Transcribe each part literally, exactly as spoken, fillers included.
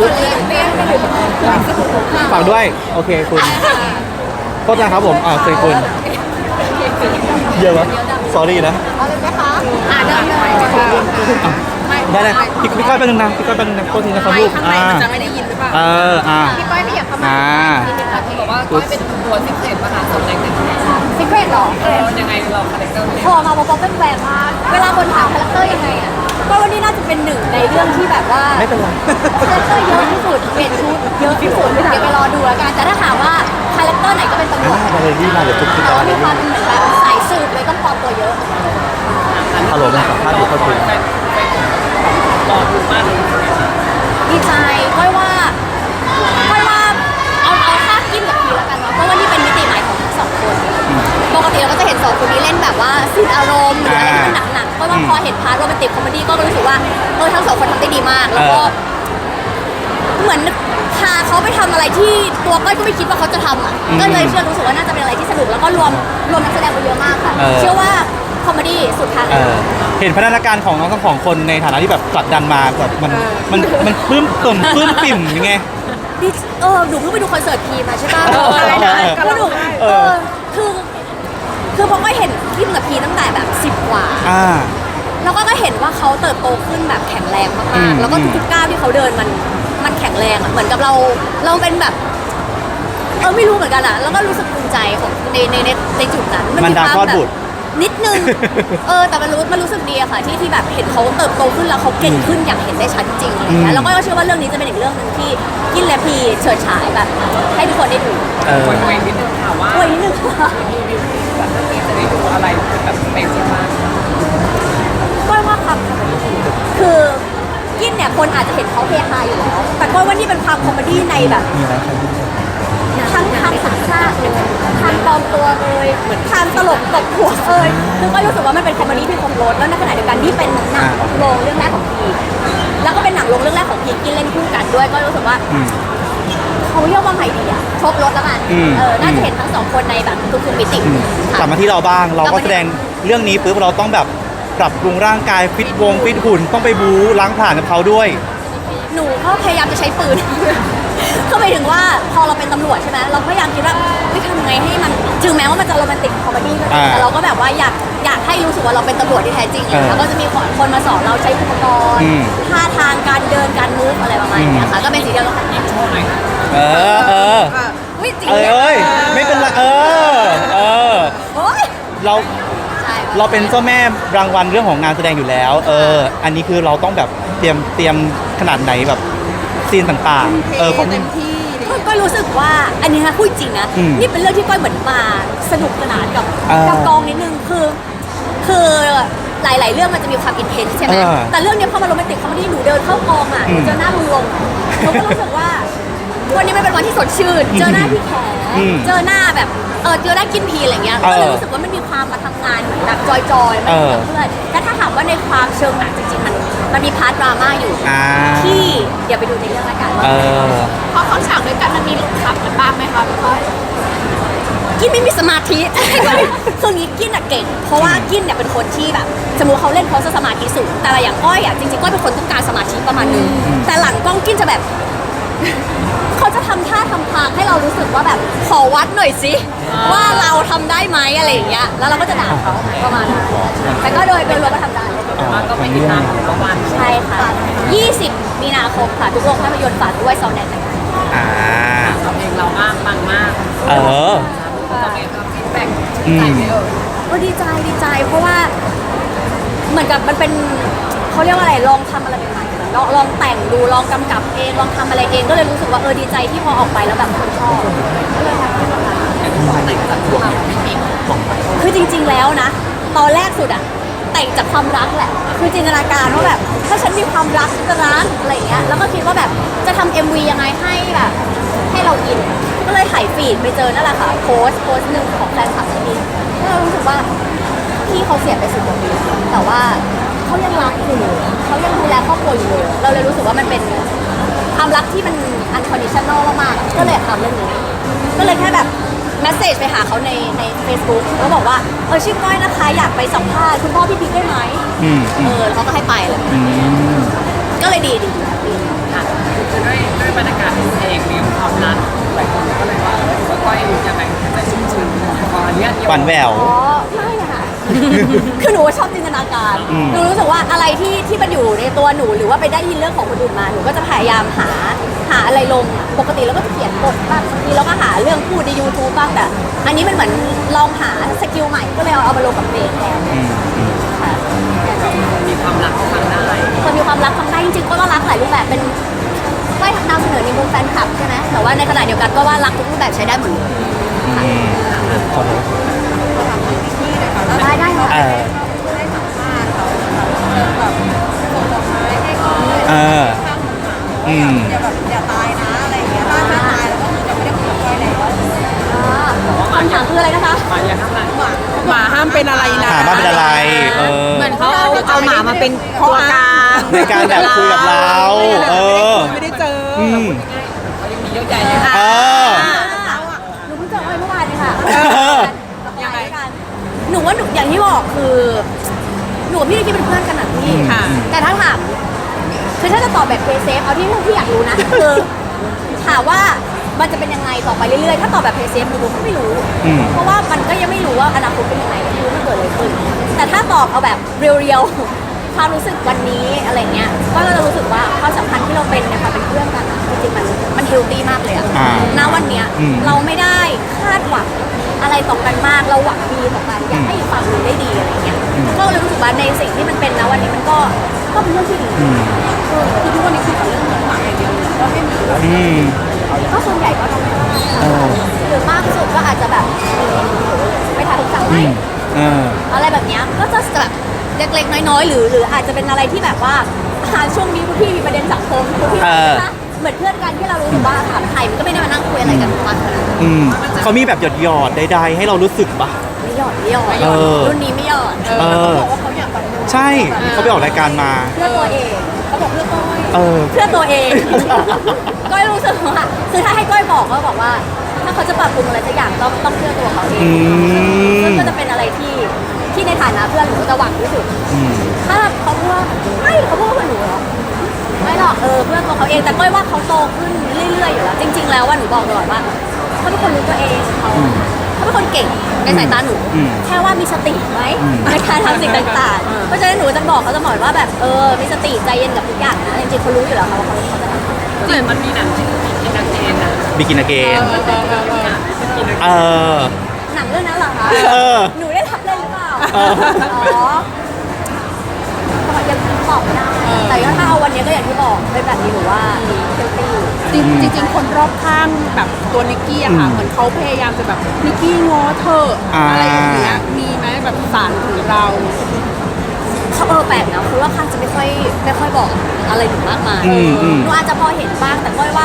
ฝากด้วยโอเคคุณโทษนะครับผมอ่าเคยคุณเยอะวะ sorry นะเอาเลยไหมคะอ่าได้เลยได้เลยพี่พี่ก้อยแป๊บนึงนะพี่ก้อยแป๊บนึงนะโทษทีนะครับลูกข้างในอ่ามันจะไม่ได้ยินหรือเปล่าเอออ่าพี่ก้อยไม่อยากเข้ามาอ่าที่บอกว่าก้อยเป็นตัวซิกเรตมหาสมแรงหนึ่งซิกเรตหรอเออยังไงเราคาแรคเตอร์พอมาบอกเป็นแหวนมากเวลาคนถามคาแรคเตอร์ยังไงอ่ะก็วันนี้น่าจะเป็นหนึ่งในเรื่องที่แบบว่าไม่เป็นไรคาแรคเตอร์เยอะที่สุดเปลี่ยนชุดเยอะที่สุดเดี๋ยวไปรอดูแล้วกันแต่ถ้าถามว่าคาแรคเตอร์ไหนก็เป็นตำรวจมาเลยพี่มาเดี๋ยวทุกทีแต่มาว่าเลมียความเหมือนแบบสายสืบเลยต้องปลอมตัวเยอะฮัลโหลนะสัมภาษณ์อยู่เข้าคุยดีใจก้อยว่าก้อยว่าเอาเอาค่ากิ้มกับพีแล้วกันเนาะเพราะว่านี่เป็นมิติใหม่ของทั้งสองคนปกติเราก็จะเห็นสองคนนี้เล่นแบบว่าซีนอารมณ์หรืออะไรที่มันหนักๆก้อยว่าพอเห็นพาร์ทโรแมนติกคอมเมดี้ก็รู้สึกว่าเออทั้งสองคนทำได้ดีมากแล้วก็เหมือนพาเขาไปทำอะไรที่ตัวก้อยก็ไม่คิดว่าเขาจะทำอ่ะก็เลยเชื่อรู้สึกว่าน่าจะเป็นอะไรที่สนุกแล้วก็รวมรวมนักแสดงไปเยอะมากค่ะเชื่อว่าคอมเมดี้สุดทางเออเห็นพัฒนาการของน้องทั้งสองคนในฐานะที่แบบผลักดันมาแบบมันมันมันปลื้มปิ่มปลื้มปิ่มยังไงดิเออหนูเพิ่งไปดูคอนเสิร์ตพีมาใช่ป่ะเออใช่ใช่แล้วหนูเอเอออคือ คือพอก็เห็นคิมกับพีตั้งแต่แบบสิบกว่าอ่าแล้วก็ก็เห็นว่าเขาเติบโตขึ้นแบบแข็งแรงอืมากมๆ แล้วก็ทุกๆก้าวที่เขาเดินมันมันแข็งแรงอ่ะ เหมือนกับเราเราเป็นแบบ เออไม่รู้เหมือนกันอ่ะ แล้วก็รู้สึกภูมิใจของในในในในจุดนั้นมันดาคลอดแบบบุตรนิดนึง เออแต่มันรู้มันรู้สึกดีอะค่ะที่ที่แบบเห็นเขาเติบโตขึ้นแล้วเขาเก่งขึ้นอย่างเห็นได้ชัดจริงอะไรเงี้อืยมแล้วก็เชื่อว่าเรื่องนี้จะเป็นอีกเรื่องหนึ่งที่กินและพีเฉิดฉายแบบ ให้ทุกคนได้ดูเออคุยนิดนึงค่ะว่าโอ้ยนิดนึงค่ะรีวิวแบบเรื่องนี้จะได้ดูอะไรแบบเป็นจริงมากก้อยว่าความคอมเมดี้คือกินเนี่ยคนอาจจะเห็นเขาเฮฮาอยู่แล้วแต่ก้อยว่านี่เป็นความคอมเมดี้ในแบบมีอะไรครับทั้งทางสัญชาติเลยทางปลอมตัวเลยทางตลกตบหัวเอยคือก็รู้สึกว่ามันเป็นคอมเมดี้ที่ครบรสแล้วในขณะเดียวกันนี่เป็นหนังโรงเรื่องแรกของพีแล้วก็เป็นหนังโรงเรื่องแรกของพีกินเล่นคู่กันด้วยก็รู้สึกว่าอืมเขาเรียกว่าไงดีอะครบรสแล้วกันอืมเออน่าจะเห็นทั้งสองคนในแบบทุกๆมิติอืมค่ะกลับมาที่เราบ้างเราก็แสดงเรื่องนี้ปุ๊บเราต้องแบบปรับปรุงร่างกายฟิตวงฟิตหุ่นต้องไปบู๊ล้างผ่านกับเขาด้วยหนูก็พยายามจะใช้ปืน ก็หมายถึงว่าพอเราเป็นตำรวจใช่ไหมเราพยายามคิดว่าวิทำไงให้มันถึงแม้ว่ามันจะโรแมนติกคอมเมดี้ก็จริงอ่าแต่เราก็แบบว่าอยากอยากให้รู้สึกว่าเราเป็นตำรวจที่แท้จริงเออแล้วก็จะมีคนมาสอนเราใช้อุปกรณ์อืมท่าทางการเดินการมูฟอะไรประมาณนี้ค่ะก็เป็นสิ่งที่เราทำโชว์หน่อยค่ะเออเอออุ้ยจริงเอ้ยเอ้ยไม่เป็นไรเออเออโอ้ยเราใช่เราเป็นเจ้าแม่รางวัลเรื่องของงานแสดงอยู่แล้ว เออ อันนี้คือเราต้องแบบเตรียมเตรียมขนาดไหนแบบซีนต่างๆ เออของก็ก็รู้สึกว่าอันนี้นะพูดจริงนะอืมนี่เป็นเรื่องที่ก้อยเหมือนมาสนุกสนานกับอ่ากักับกองนิดนึงคือคือหลาย ๆ เรื่องมันจะมีความอินเทนส์ใช่ไหมอ่าแต่เรื่องนี้พอมาโรแมนติกคอมเมดี้หนูเดินเข้ากองอ่ะหนูอืมเจอหน้าลุงลงหนูก็รู้สึกว่า วันนี้มันเป็นวันที่สดชื่น เจอหน้าพี่แขอืมเจอหน้าแบบเออเจอหน้ากินพีอะไรเงี้ยเออก็เลยรู้สึกว่ามันมีความมาทำงานเหมือนแบบจอยๆมันเหมือนเพื่อนแต่ถ้าถามว่าในความเชิงหนังจริง ๆ มันมันมีพาร์ทดราม่าอยู่อ่าที่เดี๋ยวไปดูในเรื่องละกันเออพอเขาฉากด้วยกันมันมีหลุดขับกันบ้างไหมคะพี่ก้อยกินไม่มีสมาธิ คืองี้กินอะเก่ง เพราะว่ากินเนี่ยเป็นคนที่แบบสมมติเขาเล่นเขาจะสมาธิสูงแต่อย่างก้อยอะจริงๆก้อยเป็นคนต้องการสมาธิประมาณนึงแต่หลังกล้องกินจะแบบ เขาจะทำท่าทำทางให้เรารู้สึกว่าแบบขอวัดหน่อยสิว่าเราทำได้ไหมอะไรอย่างเงี้ยแล้วเราก็จะด่าเขาประมาณนั้นแต่ก็โดยโดยรวมก็ทำได้แล้วก็ไปติดตามของประวันใช่ค่ะยี่สิบมีนาคมค่ะทุกโรงภาพยนตร์ฝากด้วยซาวแนนนะคะอ่าเราเองเรามากปังมากเออเราเองครับฟีดแบ็กอืมใจไม่เอ่ยก็ดีใจดีใจ เพราะว่าเหมือนกับมันเป็นเขาเรียกว่าอะไรลองทำอะไรใหม่ๆเหมือนลองลองแต่งดูลองกำกับเองลองทำอะไรเองก็เลยรู้สึกว่าเออดีใจที่พอออกไปแล้วแบบคนชอบก็เลยทำให้ทำงานแต่งจากตัวเราไม่มีคือจริง ๆแล้วนะ ตอนแรกสุดอะแต่งจากความรักแหละ คือจินตนาการว่าแบบถ้าฉันมีความรักฉันจะรักอะไรอย่างเงี้ยแล้วก็คิดว่าแบบจะทำ เอ็ม วี ยังไงให้แบบให้เราอินก็เลยถ่ายฟีดไปเจอนั่นแหละค่ะโพสต์โพสต์หนึ่งของแฟนคลับที่นี่ก็เรารู้สึกว่าพี่เขาเสียไปสิบกว่าปีแต่ว่าเขายังรักอยู่เขายังดูแลครอบครัวอยู่เลยเราเลยรู้สึกว่ามันเป็นความรักที่มัน unconditional มากๆก็เลยทำเรื่องนี้ก็เลยแค่แบบแมสเซจไปหาเขาในใน Facebook แล้วบอกว่าเออชื่อก้อยนะคะอยากไปสัมภาษณ์คุณพ่อพี่พีคได้ไหมอืมเออแล้วเขาก็ให้ไปเลยอืมก็เลยดีดีดีค่ะคือด้วยความรักหลายคนก็เลยว่าเออว่าก้อยยังไงใจชุ่มชื้นพออันเนี้ยหวานแหววอ๋อไม่อะค่ะ คือหนูชอบจินตนาการอืมหนูรู้สึกว่าอะไรที่ที่มันอยู่ในตัวหนูหรือว่าไปได้ยินเรื่องของคนอื่นมาหนูก็จะพยายามหาหาอะไรลงอะปกติเราก็จะเขียนบทบ้างบางทีเราก็หาเรื่องพูดใน YouTube บ้างแต่อันนี้มันเหมือนลองหาสกิลใหม่ก็เลยเอาเอามาลงกับเพลงแทนอืมอืมค่ะมีความรักก็ฟังได้คนมีความรักทำได้จริงๆก็รักหลายรูปแบบเป็นก็นำเสนอในมุมแฟนคลับใช่ไหมแต่ว่าในขณะเดียวกันก็ว่ารักทุกรูปแบบใช้ได้หมดเลยอืมขอโทษได้ได้ค่ะเออเอออืมอย่าแบบอย่าตายนะอะไรอย่างเงี้ยถ้าถ้าตายแล้วก็คือจะไม่ได้คุยกับก้อยแล้วอ่าคำถามคืออะไรนะคะมาอย่างข้างหลังหมาห้ามเป็นอะไรนะถามว่าเป็นอะไร เออเหมือนเขาเอาเอาหมามาเป็นตัวกลางในการแบบคุยกับเรา เออไม่ได้เจออืมเขายังมีเยอะแยะเลยค่ะเออหนูเพิ่งเจออ้อยเมื่อวานเลยค่ะอยังไงกันหนูว่าหนูอย่างที่บอกคือ หนูกับพี่นิกกี้เป็นเพื่อนกันนะพี่ค่ะแต่ถ้าถามคือถ้าจะตอบแบบเพย์เซฟเอาที่พี่อยากรู้นะ คือถามว่ามันจะเป็นยังไงต่อไปเรื่อยๆ ถ้าตอบแบบเพย์เซฟหนูก็ไม่รู้อืมเพราะว่ามันก็ยังไม่รู้ว่าอนาคตเป็นยังไงไม่รู้มันเกิดอะไรขึ้น แต่ถ้าตอบเอาแบบเรียวๆ ความรู้สึกวันนี้อะไรเงี้ย ก็เราจะรู้สึกว่าความสัมพันธ์ที่เราเป็นเนี่ยค่ะเป็นเพื่อนกันอะจริงๆมันมันเฮลตี้มากเลยอะอ่าณวันเนี้ยอืมเราไม่ได้คาดหวังอะไรต่อกันมาก เราหวังดีต่อกันอยากให้อีกฝั่งหนึ่งได้ดีอะไรเงี้ย ก็เลยรู้สึกว่าในสิ่งที่มันเป็นนะวันนี้มันก็ก็เป็นเรื่องที่ดีอืมเออคือทุกวันนี้คือกับเรื่องเงินหวังอย่างเดียวเลยก็ไม่มีอืมก็ส่วนใหญ่ก็ทำได้เออหรือมากสุดก็อาจจะแบบไปถ่ายทุกสั่งไหมอืมเอออะไรแบบเนี้ยก็จะแบบเล็กๆน้อยๆหรือหรืออาจจะเป็นอะไรที่แบบว่าอ่าช่วงนี้พวกพี่มีประเด็นสังคมพวกพี่เออนะเหมือนเพื่อนกันที่เรารู้สึกว่าถามใครมันก็ไม่ได้มานั่งคุยอะไรกันทุกวันขนาดนั้นอืมเขามีแบบหยอดหยอดๆใดๆให้เรารู้สึกปะไม่หยอดไม่หยอดเออรุ่นนี้ไม่หยอดเออเขาบอกว่าเขาอยากแบบใช่ เขาไปออกรายการมาเพื่อตัวเองเขาบอกเพื่อนก้อยเออเพื่อตัวเอง ก้อยรู้สึกว่าคือถ้าให้ก้อยบอกก็บอกว่า ถ้าเขาจะปรับปรุงอะไรสักอย่างต้องต้องเพื่อตัวเขาเองอืมซึ่งก็จะเป็นอะไรที่ที่ในฐานะเพื่อนหนูก็จะหวังที่สุดอืมถ้าเขาพูดว่าไม่เขาพูดว่าเพื่อนหนูเหรอไม่หรอกเออเพื่อนตัวเขาเองแต่ก้อยว่าเขาโตขึ้นเรื่อยๆอยู่แล้วจริง ๆ แล้วว่าหนูบอกตลอดว่าเขาเป็นคนรู้ตัวเองเขาเขาเป็นคนเก่งในสายตาหนูอืมแค่ว่ามีสติไหมอืมในการทำสิ่งต่างๆ เพราะฉะนั้นหนูจะบอกเขาจะบอกว่าแบบเออมีสติใจเย็นกับทุกอย่างนะจริงๆเขารู้อยู่แล้วค่ะว่าเขาเขาจะทำเหมือนมันมีหนังที่มีนักเอนนะบิกินเกน เออหนังเรื่องนั้นเหรอคะเออหนูได้ทับเล่นหรือเปล่าเอออ๋อก็ยังตอบไม่ได้แต่ถ้าเอาวันนี้ก็อย่างที่บอกเป็นแบบนี้หนูว่าเซลตี้จริงจริงๆคนรอบข้างแบบตัวนิกกี้อะค่ะอืมเหมือนเขาพยายามจะแบบนิกกี้ง้อเธอะอ่าอะไรอย่างเงี้ยมีไหมแบบสารถึงเราเขาเออแปลกนะคือว่าข้างจะไม่ค่อยไม่ค่อยบอกอะไรหนูมากมายอืมอืมหนูอาจจะพอเห็นบ้างแต่ก้อยว่า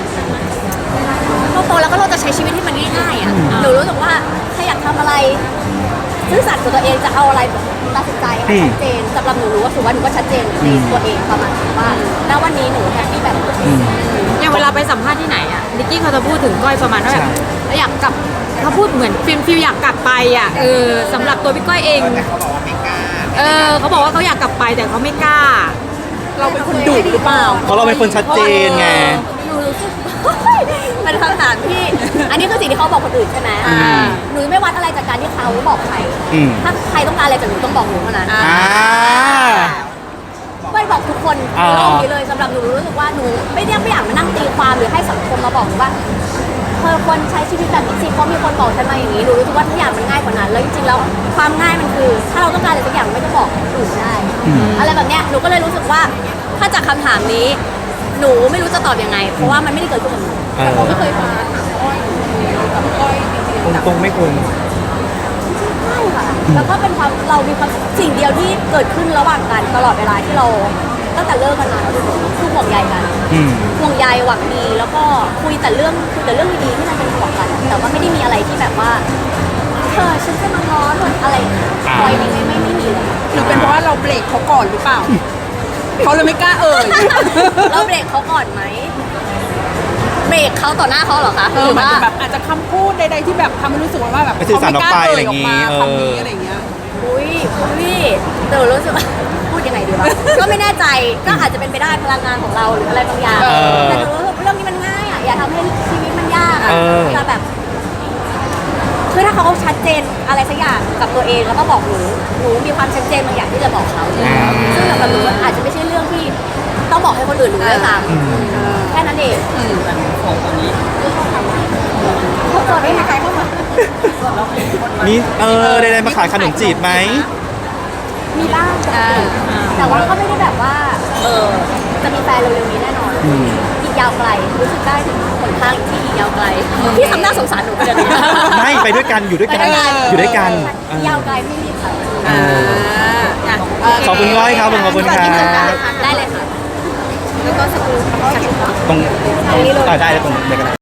เราโตแล้วก็เราจะใช้ชีวิตที่มันง่ายๆอ่ะหนูรู้สึกว่าถ้าอยากทำอะไรซื่อสัตย์กับตัวเองจะเอาอะไรตัดสินใจให้ชัดเจนสำหรับหนูรู้ว่าถือว่าหนูก็ชัดเจนในตัวเองประมาณนี้ว่าณวันนี้หนูแฮปปี้แบบตัวเองอย่างเวลาไปสัมภาษณ์ที่ไหนอ่ะนิกกี้เขาจะพูดถึงก้อยประมาณว่าแบบอยากกลับเขาพูดเหมือนฟิลฟิลอยากกลับไปอ่ะเออสำหรับตัวพี่ก้อยเองเออเขาบอกว่าเขาอยากกลับไปแต่เขาไม่กล้าเราเป็นคนดุหรือเปล่าเพราะเราเป็นคนชัดเจนไงหนูรู้สึก เป็นคำถามที่ อันนี้คือสิ่งที่เขาบอกคนอื่นใช่ไหมอ่าหนูไม่วัดอะไรจากการที่เขาบอกใครอืมถ้าใครต้องการอะไรจากหนูต้องบอกหนูเท่านั้นอ่าอ่าไม่บอกทุกคนอ่าในโลกนี้เลยสำหรับหนูรู้สึกว่าหนูไม่ได้ไม่อยากมานั่งตีความหรือให้สังคมมาบอกหนูว่าเธอควรใช้ชีวิตแบบนี้สิเพราะมีคนบอกฉันมาอย่างนี้หนูรู้สึกว่าทุกอย่างมันง่ายกว่านั้น แล้วจริงๆแล้วความง่ายมันคือ ถ้าเราต้องการอะไรสักอย่างไม่ต้องบอกคนอื่นได้อืมอะไรแบบเนี้ยหนูก็เลยรู้สึกว่าถ้าจากคำถามนี้ หนูไม่รู้จะตอบยังไง เพราะว่ามันไม่ได้เกิดขึ้นกับหนูเออเขาไม่เคยมาถามก้อยกับก้อยจริงตรงตรงๆไม่ควรใช่ค่ะแล้วก็เป็นความเรามีความสิ่งเดียวที่เกิดขึ้นระหว่างกันตลอดเวลาที่เราตั้งแต่เลิกกันมาคือคือห่วงใยกันอืมห่วงใยหวังดีแล้วก็คุยแต่เรื่องคุยแต่เรื่องดีๆที่มันเป็นห่วงกัน แต่ว่าไม่ได้มีอะไรที่แบบว่าเธอฉันจะมาง้อหรืออะไรคอยนี้ไม่ไม่ไม่มีเลยๆหรือเป็นเพราะว่าเราเบรกเขาก่อนหรือเปล่า เขาเลยไม่กล้าเอ่ยเราเบรกเขาก่อนไหมเบรกเขาต่อหน้าเขาเหรอคะเอหอรือมันว่าจะแบบอาจจะคำพูดใดๆที่แบบทำให้รู้สึกว่าแบบไปสื่อสารออกไปอะไรอย่างงี้เขาไม่กล้าเอ่ยออกมาคำนี้เออออะไรอย่างเงี้ยอุ้ยอุ้ยเดี๋ยวรู้สึกว่า พูดยังไงดีวะ ก็ไม่แน่ใจก็อาจจะเป็นไปได้พลังงานของเราหรืออะไรบางอย่างเออแต่หนูรู้สึกเรื่องนี้มันง่ายอ่ะอย่าทำให้ชีวิตเออจะแบบ คือถ้าเขาชัดเจนอะไรสักอย่างกับตัวเองแล้วก็บอกหนูหนูมีความชัดเจนบางอย่างที่จะบอกเขาอ่าซึ่งสำหรับหนูมันอาจจะไม่ใช่เรื่องที่ต้องบอกให้คนอื่นรู้ด้วยซ้อืมำแค่นั้นเองแต่หนูของตอนนี้เขาตัวไม่มีใครเข้ามามีเออได้ๆมาขายขนมจีบไหมมีบ้างแต่แต่ว่าก็ไม่ได้แบบว่าเออจะมีแฟนเร็วๆนี้แน่นอนอืมอีกยาวไกลรู้สึกได้ถึงหนทางที่อีกยาวไกลพี่ทำหน้าสงสารหนูไปเลยไม่ไปด้วยกันอยู่ด้วยกันไปด้วยกันอยู่ด้วยกันยาวไกลไม่รีบค่ะอ่าอ่ะขอบคุณก้อยครับขอบคุณครับได้เลยค่ะแล้วก็สกูลตรงตรงนี้เลยอ่าได้เลยตรงเด็กกัน